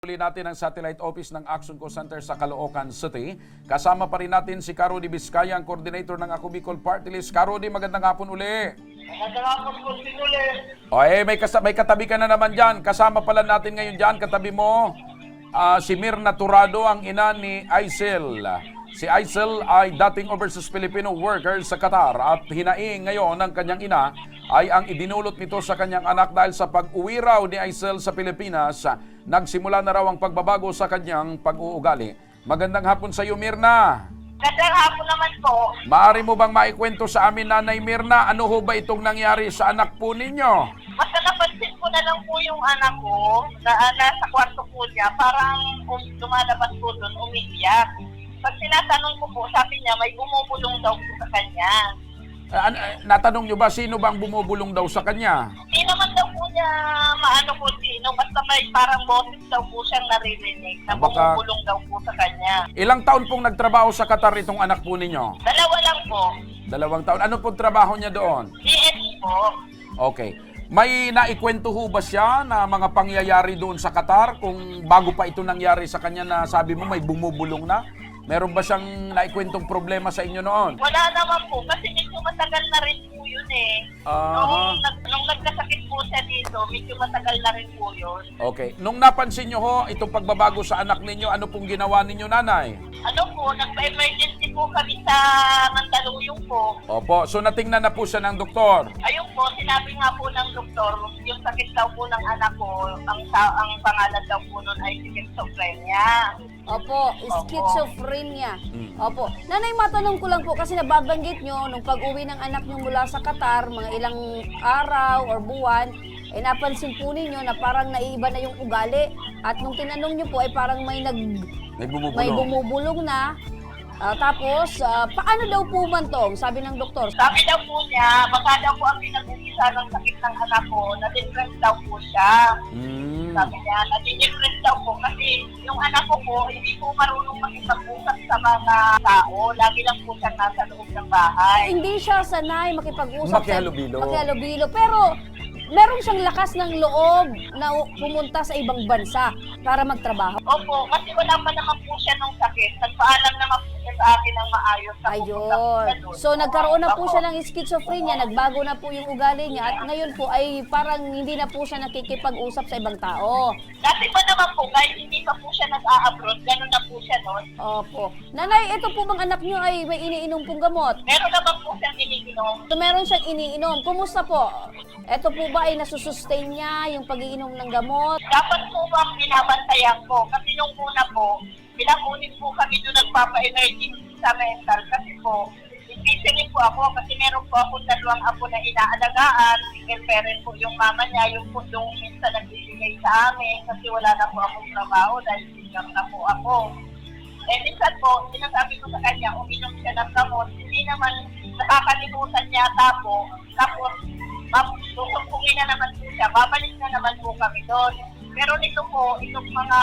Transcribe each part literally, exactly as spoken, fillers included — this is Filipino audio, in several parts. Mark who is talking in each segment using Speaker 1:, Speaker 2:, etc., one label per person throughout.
Speaker 1: Uli natin ang satellite office ng Action Co Center sa Caloocan City. Kasama pa rin natin si Caro D. Vizcaya, ang coordinator ng Ako Bicol Party List. Caro D, magandang hapon uli.
Speaker 2: Magandang hapon po, Sinuli.
Speaker 1: O eh, may, kas- may katabi ka na naman dyan. Kasama pala natin ngayon dyan, katabi mo, ah, si Mirna Turado, ang ina ni Aisel. Si Aisel ay dating overseas Filipino worker sa Qatar at hinaing ngayon ng kanyang ina ay ang idinulot nito sa kanyang anak dahil sa pag-uwi raw ni Aisel sa Pilipinas, nagsimula na raw ang pagbabago sa kanyang pag-uugali. Magandang hapon sa iyo, Mirna.
Speaker 2: Magandang hapon naman po.
Speaker 1: Maaari mo bang maikwento sa amin, Nanay Mirna, ano ho ba itong nangyari sa anak po ninyo?
Speaker 2: Basta napansin ko na lang po yung anak ko na uh, nasa kwarto po niya, parang um, lumalabas po doon, umiiyak. Pag tinatanong ko po, sabi niya may bumubulong daw po sa kanya.
Speaker 1: Ah, an- ah, natanong nyo ba sino bang bumubulong daw sa kanya?
Speaker 2: Hindi naman daw po niya maano po sino, basta may parang boses daw po siyang naririnig na
Speaker 1: Baka-
Speaker 2: bumubulong daw po sa kanya.
Speaker 1: Ilang taon pong nagtrabaho sa Qatar itong anak po ninyo?
Speaker 2: Dalawa lang po.
Speaker 1: Dalawang taon. Ano pong trabaho niya doon?
Speaker 2: D S po.
Speaker 1: Okay. May naikwento ho ba siya na mga pangyayari doon sa Qatar kung bago pa ito nangyari sa kanya na sabi mo may bumubulong na? Meron ba siyang naikwentong problema sa inyo noon?
Speaker 2: Wala naman po, kasi medyo matagal na rin po yun eh.
Speaker 1: Aha.
Speaker 2: Nung, nag, nung nagkasakit po siya dito, medyo matagal na rin po yun.
Speaker 1: Okay. Nung napansin nyo ho itong pagbabago sa anak ninyo, ano pong ginawa ninyo, Nanay?
Speaker 2: Ano po, nagpa-emergency po kami sa Mandaluyong po.
Speaker 1: Opo. So natingnan na po siya ng doktor.
Speaker 2: Ayun po, sinabi nga po ng doktor, yung sakit daw po ng anak ko, ang, sa- ang pangalan daw po nun ay schizophrenia.
Speaker 3: Opo, schizophrenia. Opo. Nanay, matanong ko lang po kasi nababanggit nyo nung pag-uwi ng anak nyo mula sa Qatar, mga ilang araw or buwan, eh napansin po ninyo na parang naiiba na yung ugali. At nung tinanong nyo po ay parang may nag
Speaker 1: May bumubulong.
Speaker 3: may bumubulong na. Ah, tapos, ah, paano daw po man to? Sabi ng doktor.
Speaker 2: Sabi daw po niya, baka daw po ang pinag-umpisa ng sakit ng anak ko, na-depress daw po siya.
Speaker 1: Mm.
Speaker 2: Sabi niya, nadi-depress daw po kasi yung anak ko po, hindi po marunong makipag-usap sa mga tao. Lagi lang po siya nasa loob ng bahay.
Speaker 3: Hindi siya sanay makipag-usap.
Speaker 1: Makihalubilo.
Speaker 3: Makihalubilo. Pero, meron siyang lakas ng loob na pumunta sa ibang bansa para magtrabaho.
Speaker 2: Opo, kasi wala pa naman po siya nung sakit. Nagpaalam naman po siya sa akin ng maayos. na pupunta po siya
Speaker 3: Ayun.
Speaker 2: doon.
Speaker 3: So nagkaroon na po
Speaker 2: Opo.
Speaker 3: siya ng schizophrenia, nagbago na po yung ugali niya at ngayon po ay parang hindi na po siya nakikipag-usap sa ibang tao.
Speaker 2: Dati pa naman po, kahit hindi pa po siya nag-a-abroad, gano'n na po siya noon.
Speaker 3: Opo. Nanay, ito po bang anak niyo ay may iniinom pong gamot?
Speaker 2: Meron naman po siyang iniinom.
Speaker 3: So meron siyang iniinom. Kumusta po? Ito po ba ay nasusustain niya yung pag-iinom ng gamot?
Speaker 2: Dapat po bang binabantayan ko? Kasi nung una po, pinakunin po kami doon nagpapa-emergency sa mental. Kasi po, busy rin po ako kasi meron po akong dalawang apo na inaalagaan. Single parent po yung mama niya, yung po yung minsan nagbibigay sa amin kasi wala na po akong trabaho dahil single na po ako. Eh, minsan po, sinasabi ko sa kanya, uminom siya ng gamot. Hindi naman nakakalimutan niya tapo. Tapos, susumpungin na naman po siya. Babalik na naman po kami doon. Pero nito po, itong mga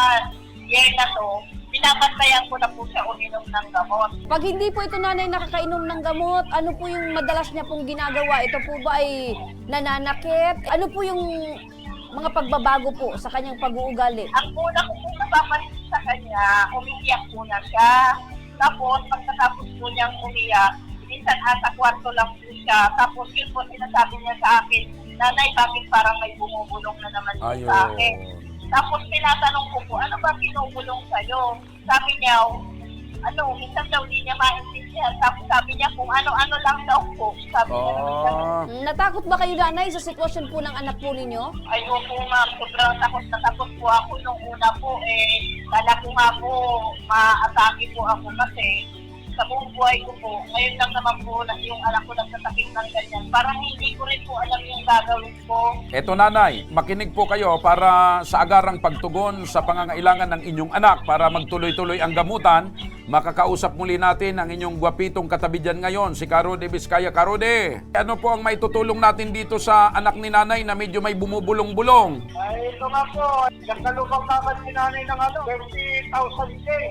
Speaker 2: year na to, binabantayan ko na po siya uminom ng gamot.
Speaker 3: Pag hindi po ito nanay nakakainom ng gamot, ano po yung madalas niya pong ginagawa? Ito po ba ay nananakit? Ano po yung mga pagbabago po sa kanyang pag-uugali?
Speaker 2: Ang una ko po napapansin sa kanya, umiiyak po na siya. Tapos, pagkatapos po niyang umiyak, minsan asa kwarto lang po siya. Tapos yun po sinasabi niya sa akin, Nanay, bakit parang may bumubulong na naman po
Speaker 1: Ayun.
Speaker 2: sa akin? Tapos tinatanong ko po, ano ba binubulong sa'yo? Sabi niya, ano, minsan daw di niya maintindihan. Tapos sabi niya kung ano-ano lang daw po. Sabi niya naman ganun.
Speaker 1: Ah.
Speaker 3: Mm, Natakot ba kayo nanay sa sitwasyon po ng anak po ninyo?
Speaker 2: Ayoko ma'am, sobrang takot na takot po ako nung una po eh. Kala ko nga po, maatake po ako kasi sa buong buhay ko po, ngayon lang naman po na yung anak ko nagsasakit ng ganyan. Parang hindi ko rin po alam yung gagawin ko.
Speaker 1: Eto, Nanay, makinig po kayo para sa agarang pagtugon sa pangangailangan ng inyong anak para magtuloy-tuloy ang gamutan. Makakausap muli natin ang inyong gwapitong katabi dyan ngayon, si Caro D. Vizcaya. Caro D, ano po ang maitutulong natin dito sa anak ni Nanay na medyo may bumubulong-bulong?
Speaker 2: Ay, ito nga po, nagkalupang naman si nanay ng ano, thirty thousand K.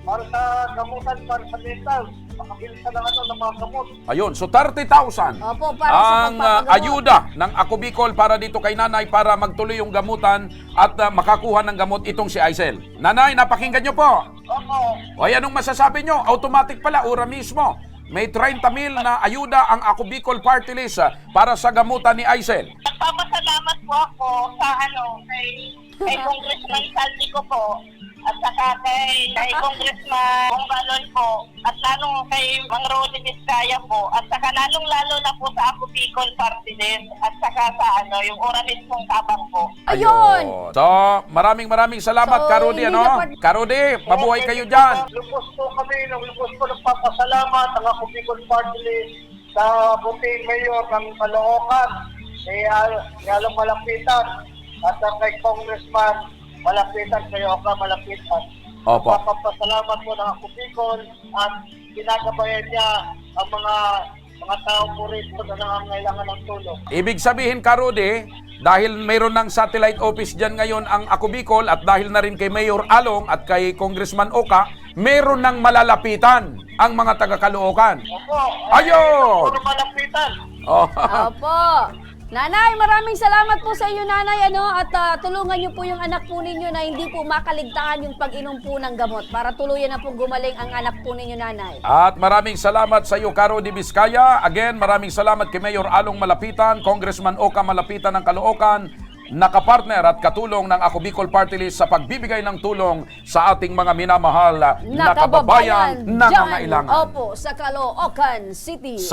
Speaker 4: para sa gamutan, para sa mental. Makabilis ka ng ano, ng mga gamot.
Speaker 1: Ayun, so thirty thousand
Speaker 3: Opo, para sa
Speaker 1: ang ah,
Speaker 3: pagpapagamot.
Speaker 1: ayuda ng Ako Bicol para dito kay nanay para magtuloy yung gamutan at ah, makakuha ng gamot itong si Aisel. Nanay, napakinggan nyo po.
Speaker 2: Opo.
Speaker 1: O ay, anong masasabi nyo? Automatic pala, ura mismo. May thirty mil na ayuda ang Ako Bicol Party List ah, para sa gamutan ni Aisel.
Speaker 2: Nagpapasalamat po ako sa ano, kay, kay Congressman Saldi ko po. At saka kay, kay Congressman Bongalon po. At lalong kay Mang Rodi Vizcaya po. At saka lalong-lalo na po sa Ako Bicol Party List. At saka sa ano, yung Oramis pong tabang po.
Speaker 3: Ayun!
Speaker 1: So, maraming maraming salamat,
Speaker 3: So,
Speaker 1: Karudi,
Speaker 3: hindi
Speaker 1: ano?
Speaker 3: na pa-
Speaker 1: Karudi, mabuhay kayo dyan.
Speaker 4: Lubos po kami, lubos po nagpapasalamat ang Ako Bicol Party List sa buting mayor ng Caloocan, ni Al- ni Along Malapitan, at ang kay Congressman Malapitan, kay Oka Malapitan.
Speaker 1: Opo.
Speaker 4: Papapasalamat po ng Ako Bicol at ginagabayan niya ang mga mga tao po rito na nangangailangan ng tulong.
Speaker 1: Ibig sabihin, Karudi, dahil mayroon ng satellite office dyan ngayon ang Ako Bicol at dahil na rin kay Mayor Along at kay Congressman Oka, mayroon ng malalapitan ang mga taga-Caloocan.
Speaker 4: Opo.
Speaker 1: Ayun!
Speaker 4: Puro Malapitan.
Speaker 1: Oh.
Speaker 3: Opo. Nanay, maraming salamat po sa inyo, nanay, ano, at ah, tulungan niyo po yung anak po ninyo na hindi po makaligtaan yung pag-inom po ng gamot para tuluyan na po gumaling ang anak po ninyo, nanay.
Speaker 1: At maraming salamat sa iyo, Karudi Vizcaya. Again, maraming salamat kay Mayor Along Malapitan, Congressman Oka Malapitan ng Caloocan, nakapartner at katulong ng Ako Bicol Party List sa pagbibigay ng tulong sa ating mga minamahal na kababayan na
Speaker 3: dyan,
Speaker 1: nangangailangan.
Speaker 3: opo, sa Caloocan City.